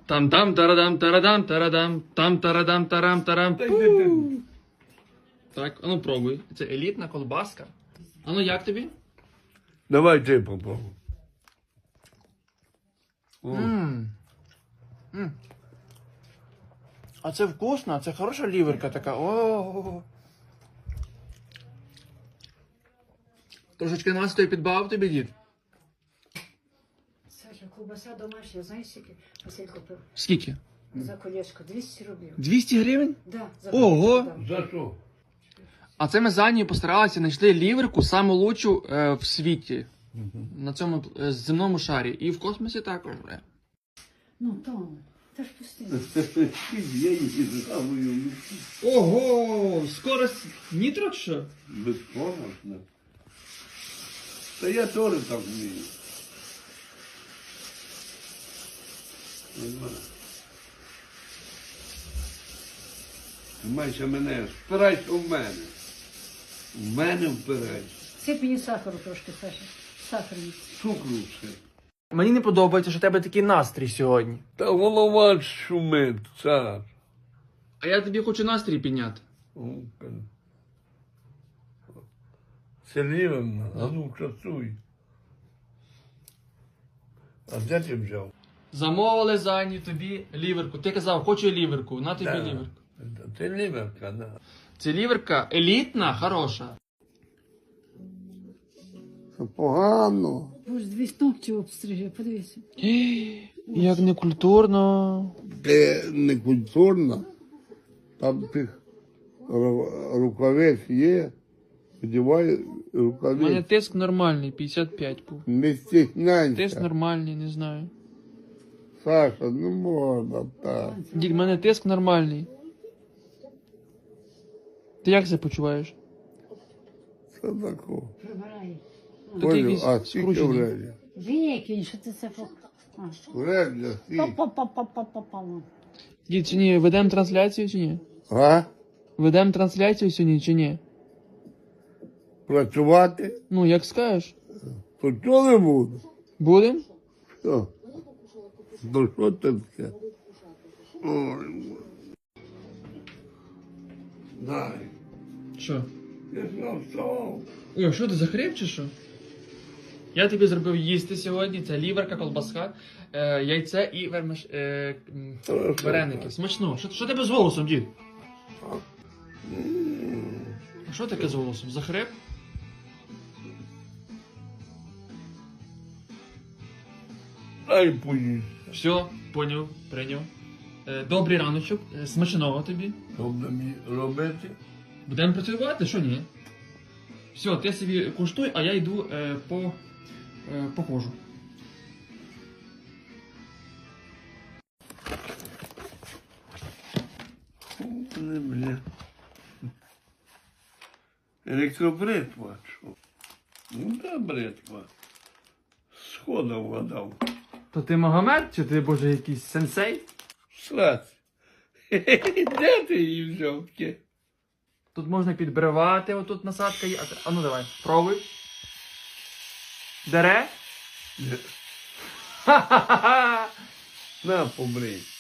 Там-там, тарадам, тарадам, тарадам, там тарадам, тарам, тарам. Так, а ну пробуй. Це елітна колбаска. А ну як тобі? Давай ти попробуй. А це вкусно, це хороша ліверка така. О. Трошечки настою підбав тобі, дід. Саша, ковбаса домашня, знаєш, скільки Василь купив? Скільки? За колечко 200 рублів. 200 гривень? Да, за Ого! колечко дам. За що? А це ми за нею постаралися, знайшли ліверку саму лучшу в світі. На цьому земному шарі. І в космосі також. Ну, Том, та ж пусти. Я її згадую. Ого! Скорость нітро чи що? Безпомощно. Та я теж так вмію. Нормально. Тримайся мене, впирайся в мене. В мене впирайся. Сип мені сахару трошки, Саша. Сахарні. Цукру все. Мені не подобається, що в тебе такий настрій сьогодні. Та голова шумить, цар. А я тобі хочу настрій підняти. Селівна, а ну часуй. А де ти взяв? Замовили Зані тобі ліверку. Ти казав, хочу ліверку, на тобі ліверку. Ти ліверка, да. Це ліверка елітна, хороша. Це погано. Боже, дві ногті обстриже, подивися. Як некультурно. Ти не культурно. Там тих рукавець є. Одівай У мене рукавець. тиск нормальний, 55 був. Не Тиск стісняйся. нормальний, не знаю. Саша, ну можна так. Дід, в мене тиск нормальний. Ти як себе почуваєш? Це тако. Прибирай. Тут якийсь А скільки скручений. вредя? Викинь, що ти це по... Вредя, скільки? Па-па-па-па-па-па. Дід, чи ні, ведемо трансляцію чи ні? А? Ведемо трансляцію сьогодні чи ні? Працювати? Ну, як скажеш. То чого не буду? Будем? Що? Ну що це таке? Ой, дай. Що? Я ж встав. Ой, що ти захріп чи що? Я тобі зробив їсти сьогодні. Це ліверка, колбаска, яйце і вареники. Смачно. Що тебе з голосом, дід? А що таке з голосом? Захрип? Дай поїсть. Все, поняв, прийняв. Добрий раночок, смачного тобі. Добре мені робити. Будемо працювати, що ні? Все, ти собі куштуй, а я йду походжу. Не, бля. Електробритва, що? Ну, да, бритва. Схода вгадав. То ти Магомед, чи ти, боже, якийсь сенсей? Сраць. Де ти її взяв? Таке? Тут можна підбривати, отут насадка є. А ну давай, пробуй. Дере? На, побрий.